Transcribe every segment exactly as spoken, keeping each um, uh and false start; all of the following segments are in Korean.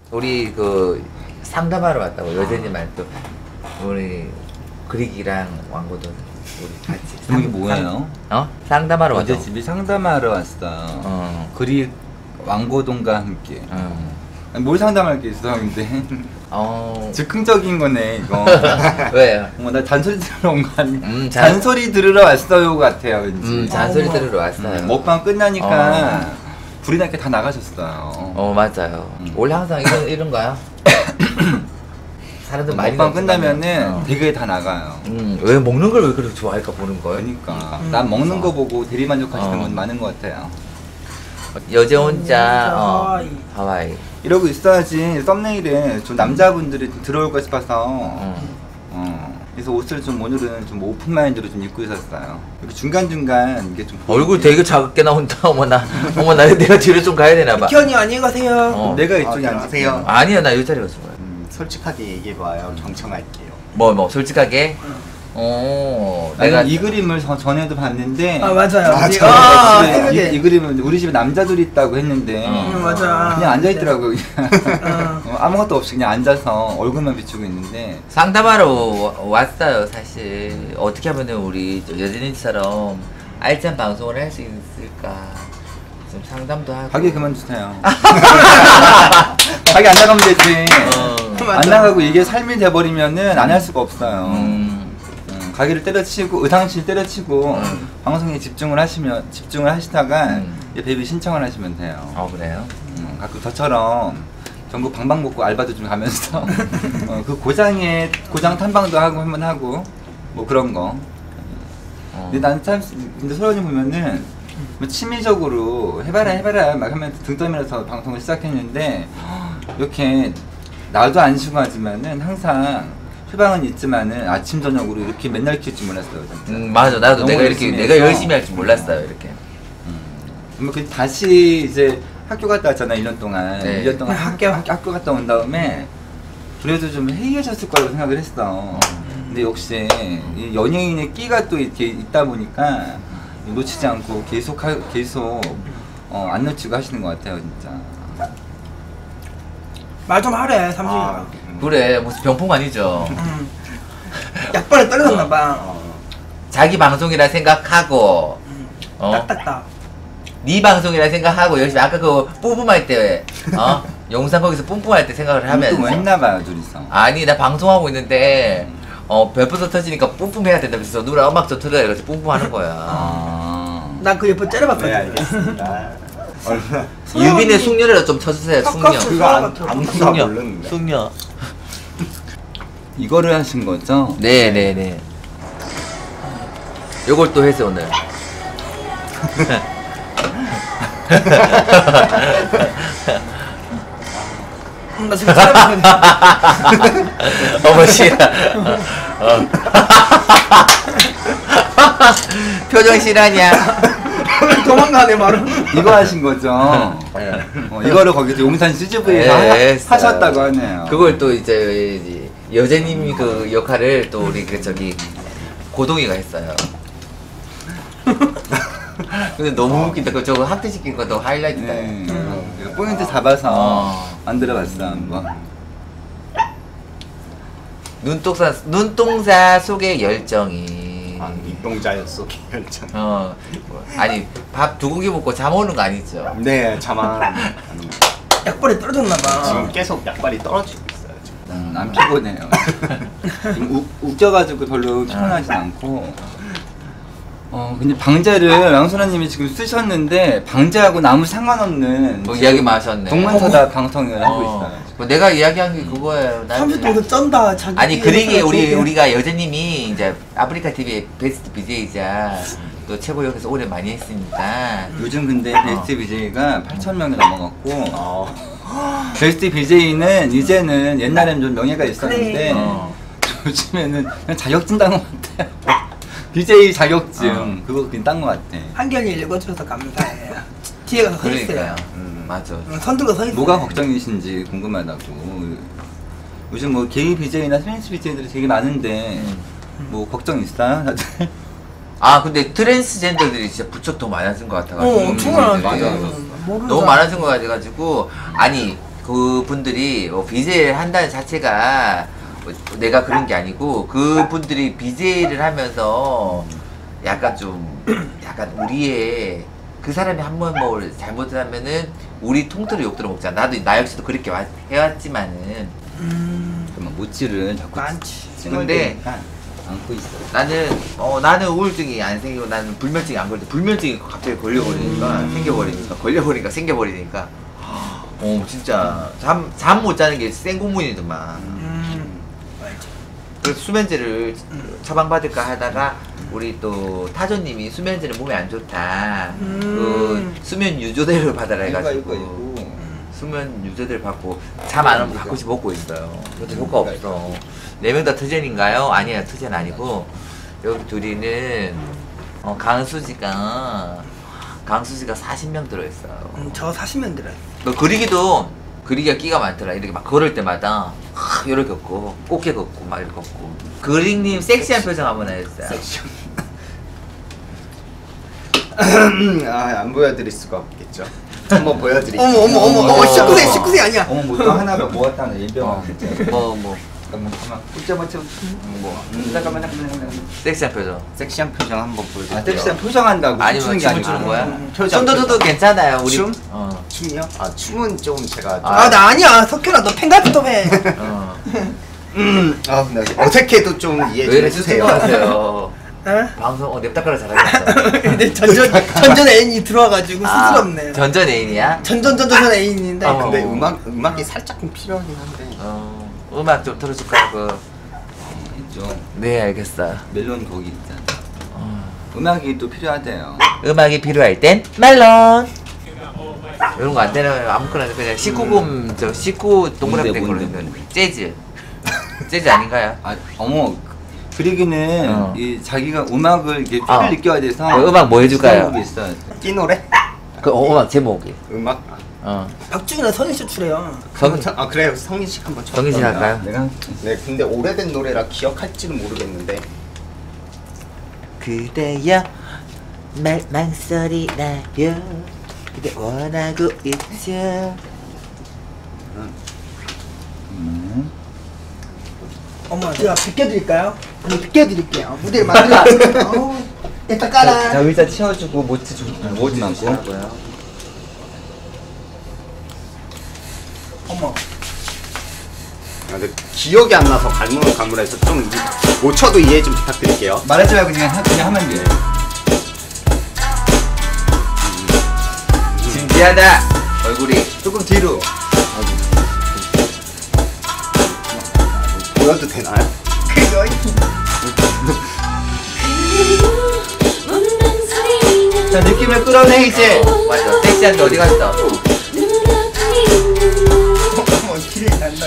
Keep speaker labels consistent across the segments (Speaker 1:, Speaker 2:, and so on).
Speaker 1: 우리 그 상담하러 왔다고 여제님한테 또 우리 그릭이랑 왕고도 우리 같이.
Speaker 2: 이게 뭐예요?
Speaker 1: 어? 상담하러 왔다고.
Speaker 2: 어제 집이 상담하러 왔어.
Speaker 1: 어.
Speaker 2: 그릭 왕고동과 함께.
Speaker 1: 어.
Speaker 2: 아니, 뭘 상담할 게 있어 근데.
Speaker 1: 어.
Speaker 2: 즉흥적인 거네 이거.
Speaker 1: 왜요?
Speaker 2: 어머 나 잔소리 들으러 온 거 아니?
Speaker 1: 음, 잔...
Speaker 2: 잔소리 들으러 왔어요 같아요 왠지.
Speaker 1: 음 잔소리 들으러 왔어요.
Speaker 2: 음, 먹방 끝나니까
Speaker 1: 어.
Speaker 2: 불이 나게 다 나가셨어요.
Speaker 1: 어 맞아요.
Speaker 2: 음.
Speaker 1: 원래 항상 이런 이런 거야. 사람들 많이
Speaker 2: 먹방 끝나면은
Speaker 1: 어.
Speaker 2: 대게 다 나가요.
Speaker 1: 음왜 먹는 걸 왜 그렇게 좋아할까 보는 걸.
Speaker 2: 그러니까
Speaker 3: 음.
Speaker 2: 난 먹는 거 보고 대리 만족하시는
Speaker 1: 어.
Speaker 2: 분 많은 것 같아요.
Speaker 1: 여제 혼자
Speaker 3: 음,
Speaker 1: 어,
Speaker 3: 하와이.
Speaker 1: 하와이.
Speaker 2: 이러고 있어야지 썸네일에 좀 남자분들이 좀 들어올까 싶어서
Speaker 1: 어.
Speaker 2: 어, 그래서 옷을 좀 오늘은 좀 오픈 마인드로 좀 입고 있었어요. 이렇게 중간중간 이게 좀
Speaker 1: 얼굴 되게 작게 나온다. 어머나 어머나 내가 뒤로 좀 가야 되나 봐.
Speaker 3: 기현이 안녕히 가세요.
Speaker 1: 어.
Speaker 2: 내가
Speaker 4: 아,
Speaker 2: 이쪽에
Speaker 4: 안녕하세요.
Speaker 2: 앉을게요.
Speaker 1: 아니야 나 이 자리에 갔어.
Speaker 4: 음, 솔직하게 얘기해봐요. 경청할게요.
Speaker 1: 뭐 뭐 솔직하게. 어
Speaker 2: 내가
Speaker 1: 내가
Speaker 2: 이 그림을 저, 전에도 봤는데
Speaker 3: 아 맞아요.
Speaker 4: 맞아요.
Speaker 3: 우리- 아,
Speaker 2: 집에
Speaker 3: 생각해.
Speaker 2: 이, 이 그림은 우리 집에 남자들이 있다고 했는데
Speaker 1: 어.
Speaker 3: 음, 맞아.
Speaker 2: 그냥 앉아있더라고요.
Speaker 3: 어.
Speaker 2: 어, 아무것도 없이 그냥 앉아서 얼굴만 비추고 있는데
Speaker 1: 상담하러 와- 왔어요 사실. 어떻게 하면 우리 여진이처럼 알찬 방송을 할 수 있을까 좀 상담도 하고.
Speaker 2: 가게 그만두세요. 가게 안 나가면 되지.
Speaker 1: 어.
Speaker 2: 안
Speaker 3: 맞아.
Speaker 2: 나가고 이게 삶이 돼버리면은 안 할 수가 없어요.
Speaker 1: 음.
Speaker 2: 음, 가게를 때려치고 의상실 때려치고
Speaker 1: 음.
Speaker 2: 방송에 집중을 하시면 집중을 하시다가
Speaker 1: 음.
Speaker 2: 이제 베이비 신청을 하시면 돼요.
Speaker 1: 어 그래요?
Speaker 2: 음, 가끔 저처럼 전국 방방곡곡 알바도 좀 가면서 어, 그 고장에 고장 탐방도 하고 한번 하고 뭐 그런 거.
Speaker 1: 어.
Speaker 2: 근데 나는 참 근데 소연이 보면은 뭐 취미적으로 해봐라 해봐라 막 하면서 등 떠밀어서 방송을 시작했는데 이렇게 나도 안 쉬고 하지만은 항상 휴방은 있지만은 아침 저녁으로 이렇게 맨날 킬줄 몰랐어요. 진짜.
Speaker 1: 음 맞아 나도
Speaker 2: 너무
Speaker 1: 내가 이렇게
Speaker 2: 열심히
Speaker 1: 내가
Speaker 2: 해서.
Speaker 1: 열심히 할 줄 몰랐어요 이렇게.
Speaker 2: 뭐 그 다시 이제 학교 갔다 왔잖아 일 년 동안.
Speaker 1: 네.
Speaker 2: 일 년 동안
Speaker 3: 학교.
Speaker 2: 학교, 학교 갔다 온 다음에 그래도 좀 해이해졌을 거라고 생각을 했어. 근데 역시 이 연예인의 끼가 또 이렇게 있다 보니까 놓치지 않고 계속 하, 계속 어, 안 놓치고 하시는 것 같아요 진짜.
Speaker 3: 말 좀 하래 삼식이가.
Speaker 4: 아, 음.
Speaker 1: 그래 무슨 병풍 아니죠.
Speaker 3: 음. 약발에 떨어졌나 봐.
Speaker 4: 어,
Speaker 1: 자기 방송이라 생각하고 어?
Speaker 3: 딱딱딱.
Speaker 1: 네 방송이라 생각하고 열심히 아까 그 뿜뿜할 때 어? 영상 거기서 뿜뿜할 때 생각을 하면서
Speaker 2: 또 했나봐요 둘이서.
Speaker 1: 아니 나 방송하고 있는데 어 별풍선 터지니까 뿜뿜해야 된다면서 누나 음악 좀 틀어야 이러면서 뿜뿜하는 거야.
Speaker 2: 아.
Speaker 3: 난 그 옆에 째려봤거든.
Speaker 4: 네, 알겠습니다. 얼마나
Speaker 1: 유빈의 숙녀를 좀 쳐주세요. 숙녀.
Speaker 3: 깎았어.
Speaker 4: 그거 안, 아무도 다
Speaker 1: 숙녀.
Speaker 4: 모르는데.
Speaker 1: 숙녀.
Speaker 2: 이거를 하신 거죠?
Speaker 1: 네네네. 요걸 또 해서 오늘.
Speaker 3: 음, 나 지금 째려봤거든.
Speaker 1: 어머 씨야. 어. 표정 실화냐?
Speaker 3: 도망가네 말은.
Speaker 2: 이거 하신 거죠? 어, 이거를 거기서 용산 씨지브이에서
Speaker 1: 네,
Speaker 2: 하, 하셨다고 하네요.
Speaker 1: 그걸 또 이제 여제님이 그 역할을 또 우리 그 저기 고동이가 했어요. 근데 너무 웃긴다. 그 저거 학대시킨 것도 하이라이트다.
Speaker 2: 네. 음. 포인트 잡아서
Speaker 1: 어.
Speaker 2: 만들어봤어 한번.
Speaker 1: 눈동자 눈동자 속의 열정이.
Speaker 4: 아, 입동자였어, 결정.
Speaker 1: 어 아니 밥 두 공기 먹고 잠 오는 거 아니죠?
Speaker 4: 네, 자만.
Speaker 3: 약발에 떨어졌나 봐.
Speaker 4: 지금 계속 약발이 떨어지고 있어요. 지금.
Speaker 2: 음, 안 피곤해요. 좀 우, 웃겨가지고 별로 피곤하진 않고. 어 근데 방제를 양순아님이 지금 쓰셨는데 방제하고 아무 상관없는
Speaker 1: 뭐 이야기만 하셨네.
Speaker 2: 동문서다 방송을 하고
Speaker 1: 어.
Speaker 2: 있어요.
Speaker 1: 뭐 내가 이야기한 게 그거예요. 난
Speaker 3: 삼십 동도 쩐다. 자기
Speaker 1: 아니 그러기에 우리
Speaker 3: 얘기해서
Speaker 1: 우리가 여제님이 이제 아프리카 티비의 베스트 비제이자 또 최고역에서 오래 많이 했으니까
Speaker 2: 요즘 근데 베스트 비제이가 팔천 명이 넘어갔고
Speaker 4: 어.
Speaker 2: 베스트 비제이는 이제는 옛날에는 좀 명예가 있었는데
Speaker 3: 그래.
Speaker 1: 어.
Speaker 2: 요즘에는 그냥 자격증 딴 것 같아요. 비제이 자격증
Speaker 1: 어.
Speaker 2: 그거 그냥 딴 것 같아.
Speaker 3: 한결이 읽어줘서 감사해. 뒤에 가서 서
Speaker 1: 그러니까요.
Speaker 3: 있어요.
Speaker 1: 음, 맞아.
Speaker 3: 응, 선 들고 서 있어요.
Speaker 2: 뭐가 걱정이신지 궁금하다고. 요즘 뭐 게이 비제이나 트랜스 비제이들이 되게 많은데
Speaker 1: 음.
Speaker 2: 뭐 걱정 있어요? 다들?
Speaker 1: 아 근데 트랜스젠더들이 진짜 부쩍 더 많아진 것 같아가지고
Speaker 3: 어, 엄청 많아졌어.
Speaker 1: 분들이.
Speaker 2: 맞아.
Speaker 3: 모르는
Speaker 1: 너무
Speaker 3: 사람.
Speaker 1: 많아진 것 같아가지고 아니 그분들이 뭐 비제이를 한다는 자체가 뭐 내가 그런 게 아니고 그분들이 비제이를 하면서 약간 좀 약간 우리의 그 사람이 한 번 뭐 잘못을 하면은 우리 통틀어 욕 들어먹잖아. 나도 나 역시도 그렇게 와, 해왔지만은
Speaker 3: 음.
Speaker 2: 그러면 모찌를 자꾸
Speaker 3: 많지.
Speaker 1: 근데
Speaker 2: 안고 있어.
Speaker 1: 나는 어 나는 우울증이 안 생기고 나는 불면증이 안 걸려. 불면증이 갑자기 걸려버리니까
Speaker 2: 음.
Speaker 1: 생겨버리니까 걸려버리니까 생겨버리니까 어 진짜 잠 잠 못 자는 게 생고문이더만.
Speaker 3: 음. 알지.
Speaker 1: 그래서 수면제를 처방받을까 하다가 우리 또 타조님이 수면제는 몸에 안 좋다.
Speaker 3: 음.
Speaker 1: 그 수면 유조제를 받아라
Speaker 2: 이거
Speaker 1: 해가지고
Speaker 2: 이거 이거.
Speaker 1: 수면 유조제를 받고 잠 안 오면 가끔씩 먹고 있어요. 그래도 효과 없어. 네 명 다 트젠인가요? 아니에요, 트젠 아니고 여기 둘이는 어, 강수지가 강수지가 사십 명 들어있어요.
Speaker 3: 음, 저 사십 년 들어요.
Speaker 1: 너 그리기도 그리기가 끼가 많더라. 이렇게 막 걸을 때마다 하, 이렇게 걷고 꽃게 걷고 막 이렇게 걷고. 그릭님 섹시한 표정 한번 해주세요.
Speaker 4: 아, 안 보여드릴 수가 없겠죠. 한번 보여드릴게요.
Speaker 3: 어머 어머 어머 어머
Speaker 1: 어머.
Speaker 3: 십구 세 십구 세 아니야.
Speaker 2: 어머 뭐또 하나가 모았다는 일병.
Speaker 1: 어, 뭐, 뭐,
Speaker 2: 잠깐만 잠깐만. 웃자 맞춰. 뭐. 잠깐만 잠깐만 잠깐만.
Speaker 1: 섹시한 표정.
Speaker 4: 섹시한 표정 한번 보여드릴게요.
Speaker 2: 아 섹시한 표정한다고
Speaker 1: 아니면
Speaker 2: 춤추는 게
Speaker 1: 춤을
Speaker 2: 아니고.
Speaker 1: 추는 거야?
Speaker 3: 음,
Speaker 4: 표정,
Speaker 1: 춤도
Speaker 4: 표정.
Speaker 1: 괜찮아요. 우리.
Speaker 4: 춤?
Speaker 1: 어.
Speaker 3: 춤이요?
Speaker 4: 아, 춤은 좀 제가 좀-
Speaker 1: 아.
Speaker 3: 아 나 아니야. 석현아 너 팬가트 좀 해.
Speaker 1: 어.
Speaker 4: 음, 아, 네. 어색해도 좀 이해
Speaker 1: 왜
Speaker 4: 좀
Speaker 1: 이렇게
Speaker 4: 해주세요.
Speaker 1: 수줍어하세요?
Speaker 3: 어?
Speaker 1: 방송 어 냅다가라 잘하겠어.
Speaker 3: 근데 전전 전전 애인이 들어와가지고 쑥스럽네.
Speaker 1: 아, 전전 애인이야?
Speaker 3: 전전 전전 애인인데.
Speaker 1: 어.
Speaker 4: 근데 음악 음악이 살짝 좀 필요하긴 한데.
Speaker 1: 어, 음악 좀 틀어줄까? 그.
Speaker 2: 있죠.
Speaker 1: 네, 알겠어.
Speaker 2: 멜론 거기 있잖아.
Speaker 1: 어.
Speaker 2: 음악이 또 필요하대요.
Speaker 1: 음악이 필요할 땐 멜론. 이런 거 안 되면 아무거나 그냥 십구 금 저 십구 동그랗게 된 걸로
Speaker 2: 뭔데,
Speaker 1: 있는 재즈. 재즈 아닌가요?
Speaker 2: 아 어머 그리기는
Speaker 1: 어.
Speaker 2: 이 자기가 음악을 이게 피를
Speaker 1: 어.
Speaker 2: 느껴야 돼서
Speaker 1: 그 음악 뭐 해줄까요?
Speaker 2: 게 있어요.
Speaker 4: 이 노래?
Speaker 1: 그 어, 음악 제목이.
Speaker 4: 음악?
Speaker 1: 어.
Speaker 3: 박준이랑 선희 씨 출해요.
Speaker 1: 성
Speaker 4: 아, 그래요. 성민 씨 한번 쳐.
Speaker 1: 성인 씨 할까요?
Speaker 2: 내가
Speaker 4: 네, 근데 오래된 노래라 기억할지는 모르겠는데.
Speaker 1: 그대여 말 망설이 나요. 그대 원하고 있죠.
Speaker 2: 음.
Speaker 3: 어머 제가 비켜드릴까요? 아니 비켜드릴게요. 무대를 만들어. 일단 깔아.
Speaker 2: 자 의자 치워주고 모찌 좀 모찌
Speaker 1: 뭐
Speaker 2: 많고.
Speaker 1: 하고요?
Speaker 3: 어머.
Speaker 4: 아, 근데 기억이 안 나서 갈무는 갈무라해서 좀 못 쳐도 이해 좀 부탁드릴게요.
Speaker 2: 말하지 말고 그냥 하, 그냥 하면 돼.
Speaker 1: 진지하다. 얼굴이.
Speaker 2: 조금 뒤로.
Speaker 4: 보여도 되나요?
Speaker 3: 그거
Speaker 2: 자 느낌을 끌어내 이제.
Speaker 1: 맞아. 섹시한데 어디 갔어?
Speaker 3: 어머 길이 난다.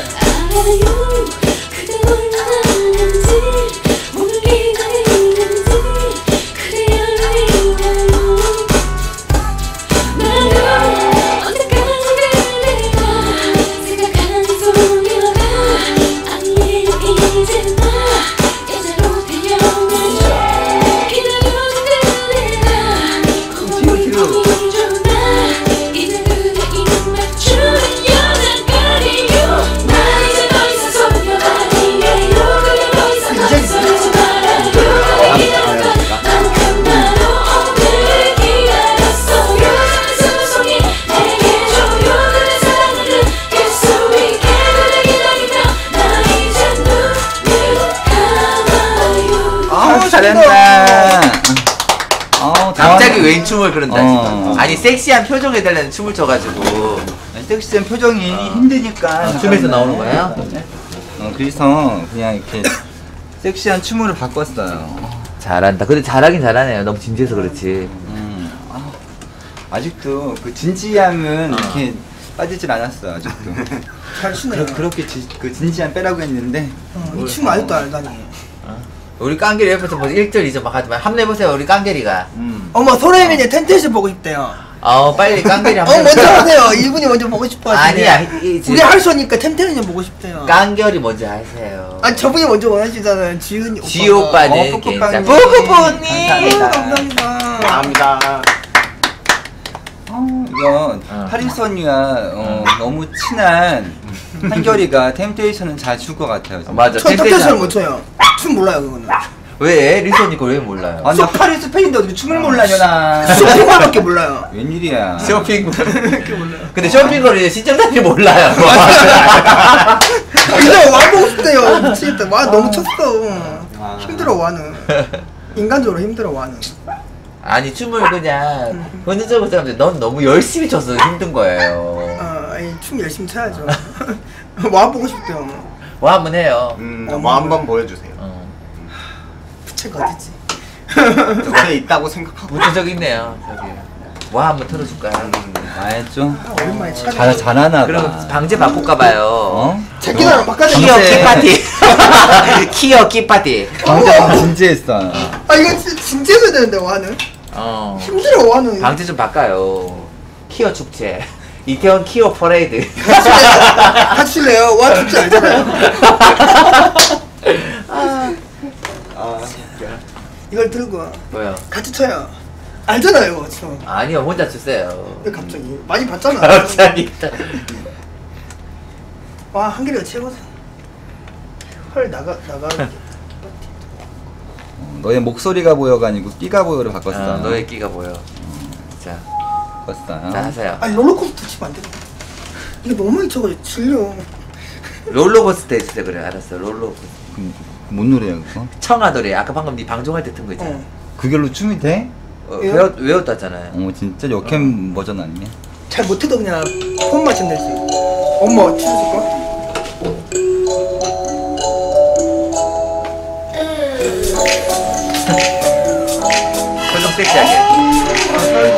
Speaker 2: 아우 잘한다. 어
Speaker 1: 갑자기 웬 춤을 그런다.
Speaker 2: 어.
Speaker 1: 아니 섹시한 표정 해달라는 춤을 춰가지고.
Speaker 2: 섹시한 표정이 힘드니까
Speaker 1: 아, 춤에서 나오는 거예요?
Speaker 2: 어 그래서 그냥 이렇게 섹시한 춤으로 바꿨어요.
Speaker 1: 잘한다. 근데 잘하긴 잘하네요. 너무 진지해서 그렇지.
Speaker 2: 음, 아, 아직도 그 진지함은
Speaker 1: 어.
Speaker 2: 이렇게 빠지질 않았어 아직도.
Speaker 3: 잘 추네.
Speaker 2: 그러, 그렇게 지, 그 진지함 빼라고 했는데
Speaker 3: 어, 이춤 아직도 알다니.
Speaker 1: 우리 깡게리 옆에서 뭐 일 절 이 절 막 하지만 한번 해보세요. 우리 깡게리가.
Speaker 2: 음.
Speaker 3: 어머 소래민이 텐트에서 보고 싶대요.
Speaker 1: 어 빨리 깡게리
Speaker 3: 어
Speaker 1: 한번
Speaker 3: 먼저
Speaker 1: 해보세요.
Speaker 3: 하세요. 이분이 먼저 보고 싶어 하시네.
Speaker 1: 아니야. 이, 이,
Speaker 3: 우리 할수니까 텐트는 좀 보고 싶대요.
Speaker 1: 깡결이 먼저 하세요.
Speaker 3: 아니 저분이 먼저 원하시잖아요. 지은이 오빠.
Speaker 1: 지 오빠는
Speaker 2: 어,
Speaker 1: 괜찮아.
Speaker 2: 뽀뽀빵님.
Speaker 1: 뽀뽀뽀님.
Speaker 2: 감사합니다.
Speaker 3: 감사합니다.
Speaker 4: 감사합니다.
Speaker 2: 어, 이거 이거
Speaker 1: 어.
Speaker 2: 하리선이와 어, 너무 친한 한결이가 템테이션은 잘 출 것 같아요. 진짜.
Speaker 1: 맞아.
Speaker 3: 저 템테이션 못 춰요. 춤 몰라요 그거는.
Speaker 1: 왜 리선이 그걸 왜 몰라요?
Speaker 2: 아니 나 파리스 팬인데 어떻게 춤을 몰라요 나.
Speaker 3: 쇼핑밖에 몰라요.
Speaker 2: 웬일이야.
Speaker 1: 쇼핑.
Speaker 3: 그렇게 몰라요.
Speaker 1: 근데 쇼핑거리 신청자들이 몰라요.
Speaker 3: 근데 와 보고 싶대요. 미치겠다. 와 너무 쳤어.
Speaker 2: 아.
Speaker 3: 힘들어 와는. 인간적으로 힘들어 와는.
Speaker 1: 아니 춤을 그냥 현실적으로 사람들 넌 너무 열심히 춰서 힘든 거예요.
Speaker 3: 아, 아니 춤 열심히 춰야죠. 와 보고 싶대요.
Speaker 1: 뭐 한번 해요.
Speaker 4: 음, 뭐 한번 보여주세요.
Speaker 1: 어.
Speaker 3: 부채가 어딨지?
Speaker 4: 저게 있다고 생각하고.
Speaker 1: 무튼 있네요. 저기. 뭐 한번 틀어줄까요?
Speaker 2: 아예 좀
Speaker 3: 아, 오랜만에 차.
Speaker 2: 잘 잘하나 봐.
Speaker 1: 그럼 방제 바꿀까봐요.
Speaker 2: 어?
Speaker 3: 제끼다랑 바꿔야
Speaker 1: 키어
Speaker 3: 되는데.
Speaker 1: 키파티. 키어 키파티.
Speaker 2: 방금 진지했어.
Speaker 3: 아 이거 진- 진짜 해야 되는데 와는.
Speaker 1: 어.
Speaker 3: 힘들어 와는.
Speaker 1: 방제 좀 바꿔요. 키어 축제. 이태원 키어 퍼레이드.
Speaker 3: 같이 칠래요? 와 진짜 알잖아요.
Speaker 4: 아,
Speaker 3: 이걸 들고
Speaker 1: 뭐요?
Speaker 3: 같이 쳐요. 알잖아요 이거 저.
Speaker 1: 아니요 혼자 주세요.
Speaker 3: 왜 갑자기 많이 봤잖아.
Speaker 1: 갑자기.
Speaker 3: 와 한결이가 최고다. 헐 나가 나가.
Speaker 2: 너의 목소리가 보여가 아니고 끼가 보여로 바꿨어.
Speaker 1: 어, 너의 끼가 보여. 자,
Speaker 2: 바꿨어.
Speaker 1: 자 하세요.
Speaker 3: 아니 롤러코스터 치면 안 돼. 이게 너무 많이 쳐가지고 질려.
Speaker 1: 롤러코스터 해주세요. 그래 알았어. 롤러코스터.
Speaker 2: 그럼 뭔 노래야 그거?
Speaker 1: 청아노래. 아까 방금 네 방송할 때 튼 거 있잖아.
Speaker 3: 어.
Speaker 2: 그걸로 춤이 돼?
Speaker 1: 어,
Speaker 3: 왜요?
Speaker 1: 외웠, 외웠다잖아요.
Speaker 2: 어 진짜 역캠 버전 아니야?
Speaker 3: 잘 못해도 그냥 폰만 치면 되지. 엄마 치워줄까?
Speaker 1: 표정 섹시하게.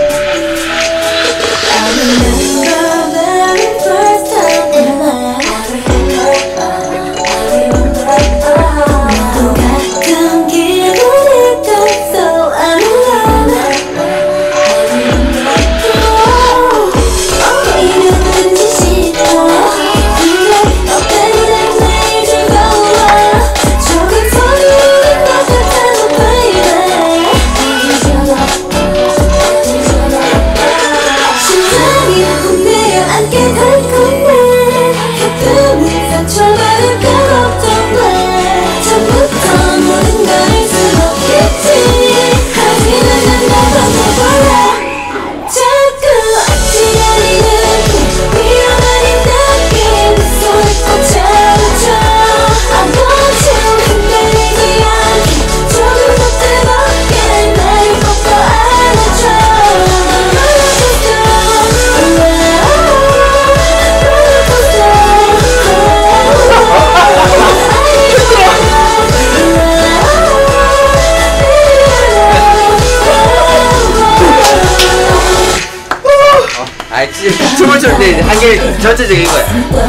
Speaker 1: 아, 춤을 출 때 한개 전체적인 거야.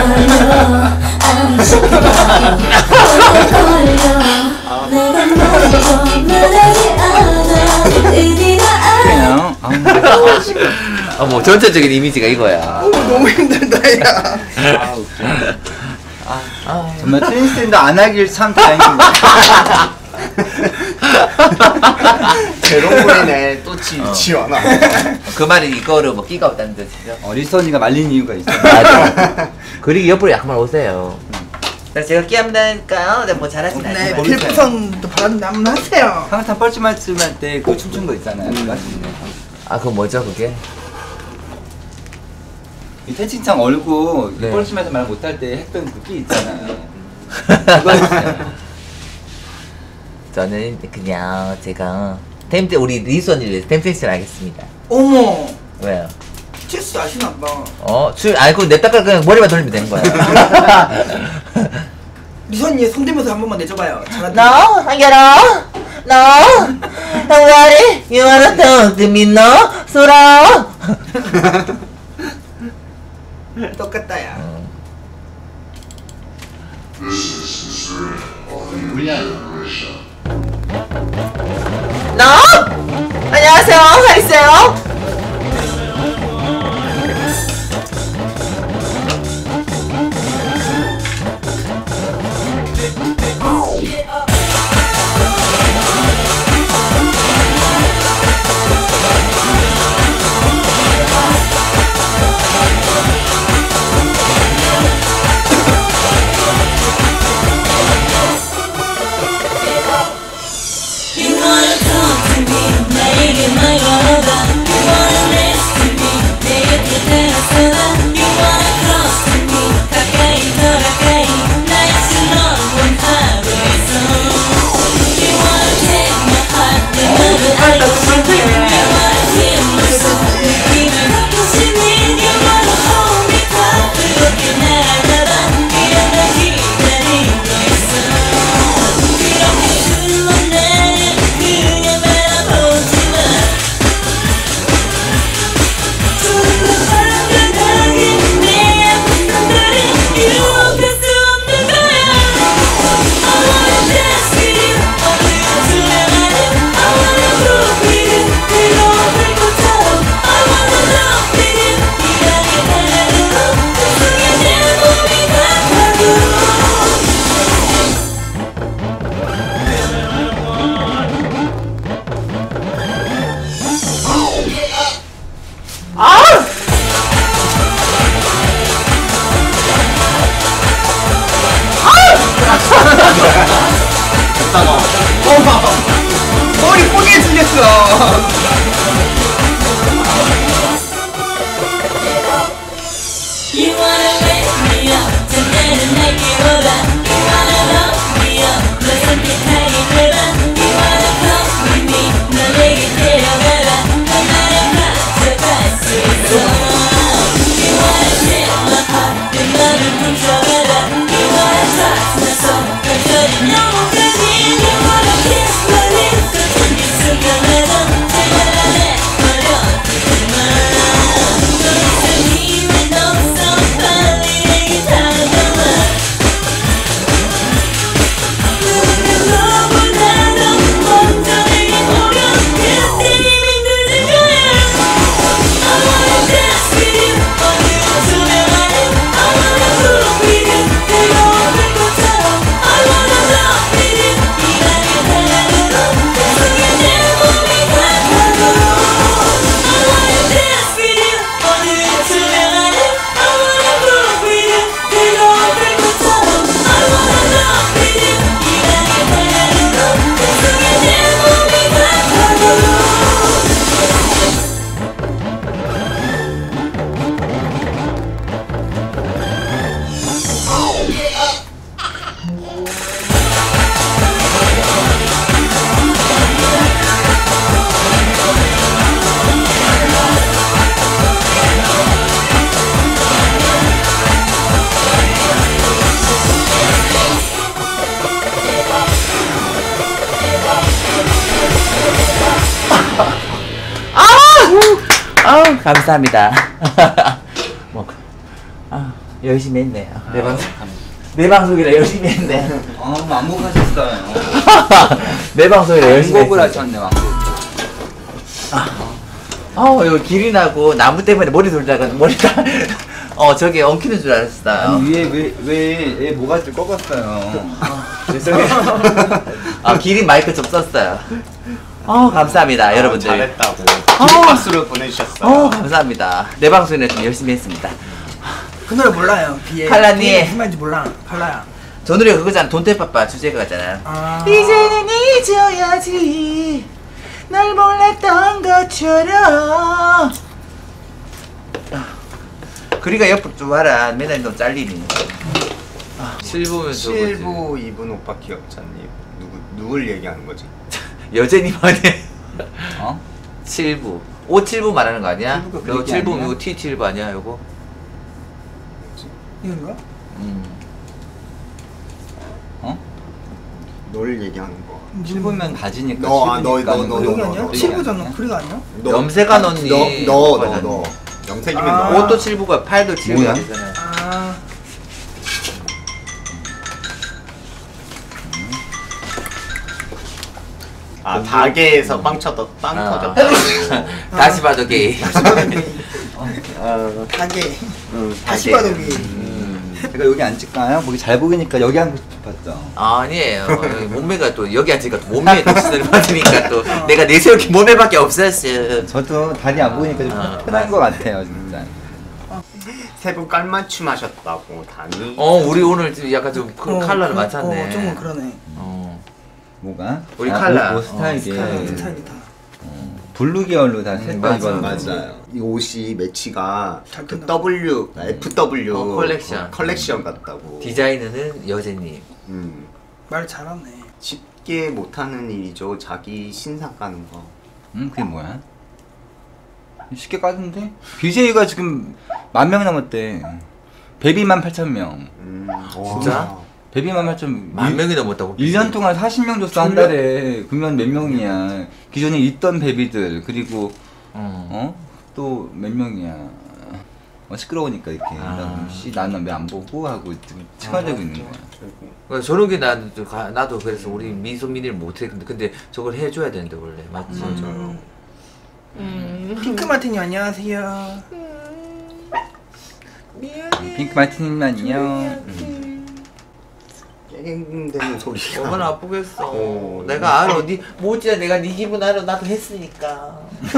Speaker 2: 그냥
Speaker 1: 어, 뭐 전체적인 이미지가 이거야.
Speaker 3: 어, 너무 힘들다 야.
Speaker 2: 아 웃겨. 아, 정말 트윈스탠드 안 하길 참 다행입니다.
Speaker 4: 제롱물이네 또 지, 지원아.
Speaker 1: 그 말이 이거를 뭐 끼가 없다는 뜻이죠.
Speaker 2: 어, 리선이가 말린 이유가 있어.
Speaker 1: 맞아. 그리고 옆으로 약간 오세요. 그래서 제가 끼 한다니까요. 네, 뭐 잘하진
Speaker 3: 네
Speaker 1: 않지만.
Speaker 3: 필부선도 바랐는데 한번 하세요.
Speaker 2: 항상 뻘쭘할쯤 할때 그 춤춘 거 있잖아요. 그거 같은데.
Speaker 1: 아, 그건 뭐죠, 그게?
Speaker 2: 이 태칭창 얼고
Speaker 1: 네.
Speaker 2: 뻘쭘해서 말 못할 때 했던 그 끼 있잖아요. 그거 했어요.
Speaker 1: 저는 그냥 제가 템템 우리 리선을 위해서 템템션 하겠습니다.
Speaker 3: 어머
Speaker 1: 왜요?
Speaker 3: 체스 아시나 봐.
Speaker 1: 어? 술 알고 냅다가 그냥 머리만 돌리면 되는 거야.
Speaker 3: 리선이 손대면서 한 번만 내줘봐요. 잘한다.
Speaker 1: No, 한결아. No. 한결이, you wanna talk to me, no? 소라.
Speaker 3: 똑같다 야.
Speaker 1: No. 안녕하세요. 하이세요. 아우 감사합니다. 뭐, 아 열심히 했네. 내 방송 내 방송이라 열심히 했네.
Speaker 2: 아, 완곡하셨어요.
Speaker 1: 내 방송이라 열심히
Speaker 2: 완곡을
Speaker 1: 했어.
Speaker 2: 하셨네, 완곡.
Speaker 1: 어 이거 길이 나고 나무 때문에 머리 돌다가 머리가 어 저기 엉키는 줄 알았어요.
Speaker 2: 아니, 위에 왜왜얘 모가지를 꺾었어요.
Speaker 1: 죄송해요. 아 기린 마이크 좀 썼어요. 어 감사합니다
Speaker 4: 아,
Speaker 1: 여러분들.
Speaker 4: 잘했다고.
Speaker 1: 어.
Speaker 4: 박수를 보내주셨어요.
Speaker 1: 어 감사합니다. 내 방송이라 좀 열심히 했습니다.
Speaker 3: 그 노래 몰라요. 비에.
Speaker 1: 칼라님.
Speaker 3: 비에 무슨 말인지 몰라. 칼라야.
Speaker 1: 저 노래 그거잖아. 돈테빠빠 주제가잖아.
Speaker 3: 아.
Speaker 1: 이제는 잊어야지 날 몰랐던 것처럼. 그리가 옆으로 좀 와라. 맨날 너 잘리니. 아, 칠 부면
Speaker 4: 칠 부 이 분 오빠 기억자님 누구 누굴 얘기하는 거지?
Speaker 1: 여제님 아니야?
Speaker 2: 어?
Speaker 1: 칠 부 오 칠 부 말하는 거 아니야?
Speaker 2: 칠 부가 그
Speaker 1: 너
Speaker 2: 얘기
Speaker 1: 칠 부
Speaker 2: 아니야?
Speaker 1: 이거 티 칠 부 아니야 이거?
Speaker 3: 이건가?
Speaker 1: 음.
Speaker 2: 어?
Speaker 4: 널 얘기하는 거.
Speaker 2: 칠보면 바지니까.
Speaker 4: 너, 아, 너,
Speaker 2: 칠부니까
Speaker 4: 너, 너,
Speaker 3: 여기
Speaker 4: 너,
Speaker 3: 아니야?
Speaker 4: 너,
Speaker 3: 칠부잖아.
Speaker 2: 아니야?
Speaker 3: 그리가 아니야?
Speaker 4: 너,
Speaker 1: 염색한 언니.
Speaker 4: 너, 너, 너, 너. 염색이면
Speaker 3: 아.
Speaker 4: 너.
Speaker 1: 옷도 칠 부가 팔도 칠 부가
Speaker 2: 뭐야?
Speaker 1: 되잖아.
Speaker 3: 아.
Speaker 4: 아 가게에서 빵 쳐도 빵
Speaker 1: 아.
Speaker 4: 터졌다.
Speaker 1: 다시 봐도 게이.
Speaker 4: 어,
Speaker 3: 가게.
Speaker 4: 응,
Speaker 3: 다시
Speaker 4: 가게.
Speaker 3: 봐도 게.
Speaker 1: 음.
Speaker 2: 제가 여기 앉을까요? 보기 잘 보이니까 여기 앉고 싶었죠.
Speaker 1: 아니에요. 여기 몸매가 또 여기 앉으니까 또 몸매에 또 시선을 받으니까 또 내가 내세울 게 몸매밖에 없었어.
Speaker 2: 저도 다리 안 보니까 좀
Speaker 1: 아,
Speaker 2: 편한 것 같아요, 진짜.
Speaker 4: 세 분 깔맞춤 하셨다고 다니.
Speaker 1: 어 우리 오늘 좀 약간 좀 그
Speaker 3: 어,
Speaker 1: 컬러를
Speaker 3: 그-
Speaker 1: 맞췄네.
Speaker 3: 어, 좀 그러네.
Speaker 1: 어.
Speaker 2: 뭐가?
Speaker 1: 우리
Speaker 2: 아,
Speaker 1: 칼라.
Speaker 2: 옷, 옷 스타일이
Speaker 3: 스타일, 스타일이다.
Speaker 2: 블루 계열로 다
Speaker 1: 음,
Speaker 2: 색깔
Speaker 1: 맞아,
Speaker 2: 입었는데.
Speaker 4: 맞아요. 이 옷이 매치가
Speaker 3: 잘
Speaker 4: 그
Speaker 3: 뜬다.
Speaker 4: W, 에프 더블유
Speaker 1: 어, 컬렉션.
Speaker 4: 컬렉션 같다고.
Speaker 1: 디자이너는 여제님.
Speaker 4: 음.
Speaker 3: 말 잘하네.
Speaker 4: 쉽게 못하는 일이죠. 자기 신상 까는 거.
Speaker 2: 음, 그게 뭐야? 쉽게 까던데? 비제이가 지금 만 명 넘었대. 베비만 팔천 명.
Speaker 4: 음.
Speaker 1: 진짜?
Speaker 4: 와.
Speaker 2: 베비만 팔천
Speaker 1: 만 명이 넘었다고.
Speaker 2: 일 년 동안 사십 명 줬어, 한 달에. 그러면 몇 명이야. 기존에 있던 베비들, 그리고,
Speaker 1: 어.
Speaker 2: 어? 또 몇 명이야. 어, 시끄러우니까 이렇게.
Speaker 1: 아.
Speaker 2: 씨, 나는 왜 안 보고? 하고 지금 칭얼대고 있는 거야.
Speaker 1: 그러니까 저런 게 나도 가- 나도 그래서 우리 미소민이를 못했는데 근데 저걸 해줘야 되는데 원래 맞지?
Speaker 3: 맞아요. 핑크 마티니 안녕하세요.
Speaker 2: 핑크 마티님 안녕.
Speaker 4: 게임되는 소리가.
Speaker 1: 얼마나 아프겠어.
Speaker 4: 어.
Speaker 1: 내가 알아. 니 모지야 내가 네 기분 알아. 나도 했으니까.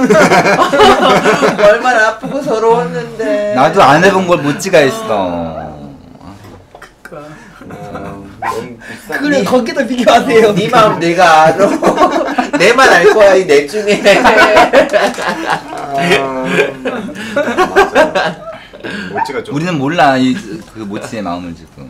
Speaker 1: 얼마나 아프고 서러웠는데.
Speaker 2: 나도 안 해본 걸 못지가 있어.
Speaker 3: 그니까.
Speaker 4: 어, 너무 비싼.
Speaker 3: 그래
Speaker 1: 니-
Speaker 3: 거기다 비교하세요.
Speaker 1: 네 마음 내가 알아. 내만 알 거야 이 넷 중에.
Speaker 4: 맞아요. 모찌가 좀.
Speaker 2: 우리는 몰라, 이, 그 모치의 마음을 지금.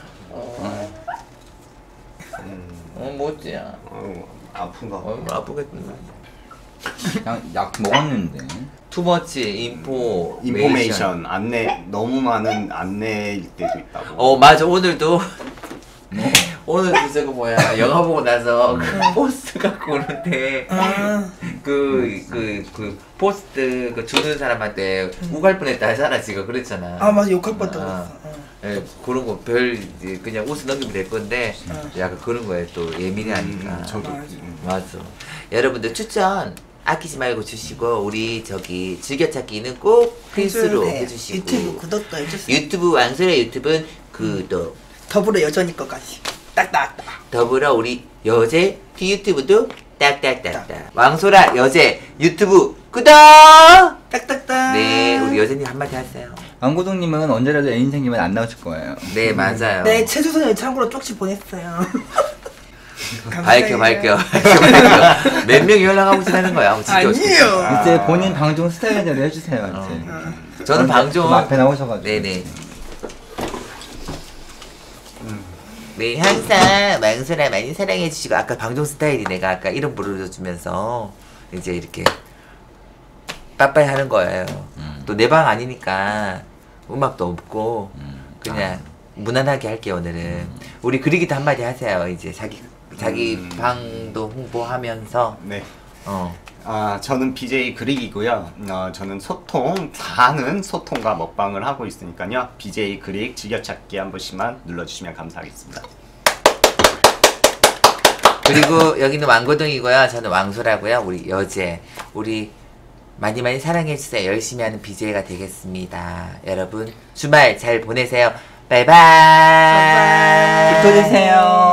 Speaker 1: 어 모지야.
Speaker 4: 아유, 아픈가. 봐.
Speaker 1: 얼마나 아프겠는데.
Speaker 2: 약, 약 먹었는데.
Speaker 1: 투머치 인포
Speaker 4: 인포메이션 안내 너무 많은 안내일 때도 있다고.
Speaker 1: 어 맞아 오늘도 오늘도 저거 뭐야 영화 보고 나서 그 포스트 갖고 오는데
Speaker 3: 아.
Speaker 1: 그 그 그 포스트 그 주는 사람한테 우갈 뻔했다 하잖아 지금 그랬잖아.
Speaker 3: 아 맞아 욕할 뻔했다
Speaker 1: 아.
Speaker 3: 그랬어. 어.
Speaker 1: 예, 그런 거 별 그냥 웃어 넘기면 될 건데
Speaker 3: 어.
Speaker 1: 약간 그런 거에 또 예민해하니까.
Speaker 4: 음, 저도.
Speaker 3: 맞아.
Speaker 4: 음.
Speaker 1: 맞아. 여러분들 추천 아끼지 말고 주시고 우리 저기 즐겨찾기는 꼭 필수로
Speaker 3: 네,
Speaker 1: 해주시고
Speaker 3: 유튜브 구독도 해주세요.
Speaker 1: 유튜브 왕설의 유튜브는 구독
Speaker 3: 더불어 여전히 것까지 딱딱딱.
Speaker 1: 더불어 우리 여제 티유튜브도 딱딱딱딱 왕소라 여제 유튜브 구독.
Speaker 3: 딱딱딱.
Speaker 1: 네 우리 여제님 한마디 하세요.
Speaker 2: 왕고동님은 언제라도 애인 생기면 안 나오실 거예요.
Speaker 1: 네 맞아요.
Speaker 3: 네 최주선을 참고로 쪽지 보냈어요.
Speaker 1: 밝혀
Speaker 3: 감사해요.
Speaker 1: 밝혀 밝혀 밝혀 몇 명이 연락하고 지나는 거야. 진짜
Speaker 3: 아니에요.
Speaker 1: 어떡해.
Speaker 2: 이제 본인 방송 스타일대로 해주세요, 이제.
Speaker 1: 어. 저는 방종
Speaker 2: 좀 앞에 나오셔가지고.
Speaker 1: 네네. 네 항상 망설아 많이 사랑해주시고 아까 방종 스타일이 내가 아까 이름 부르주면서 이제 이렇게 빠빠이 하는 거예요.
Speaker 2: 음.
Speaker 1: 또 내 방 아니니까 음악도 없고
Speaker 2: 음.
Speaker 1: 그냥 무난하게 할게요 오늘은. 우리 그리기도 한마디 하세요. 이제 자기 자기
Speaker 4: 음.
Speaker 1: 방도 홍보하면서
Speaker 4: 네.
Speaker 1: 어.
Speaker 4: 아, 저는 비제이 그릭이고요. 어, 저는 소통, 다는 소통과 먹방을 하고 있으니까요. 비제이 그릭 즐겨찾기 한 번씩만 눌러주시면 감사하겠습니다.
Speaker 1: 그리고 여기는 왕고등이고요. 저는 왕소라고요. 우리 여제. 우리 많이 많이 사랑해주세요. 열심히 하는 비제이가 되겠습니다. 여러분 주말 잘 보내세요. 바이바이.
Speaker 2: 또 주세요.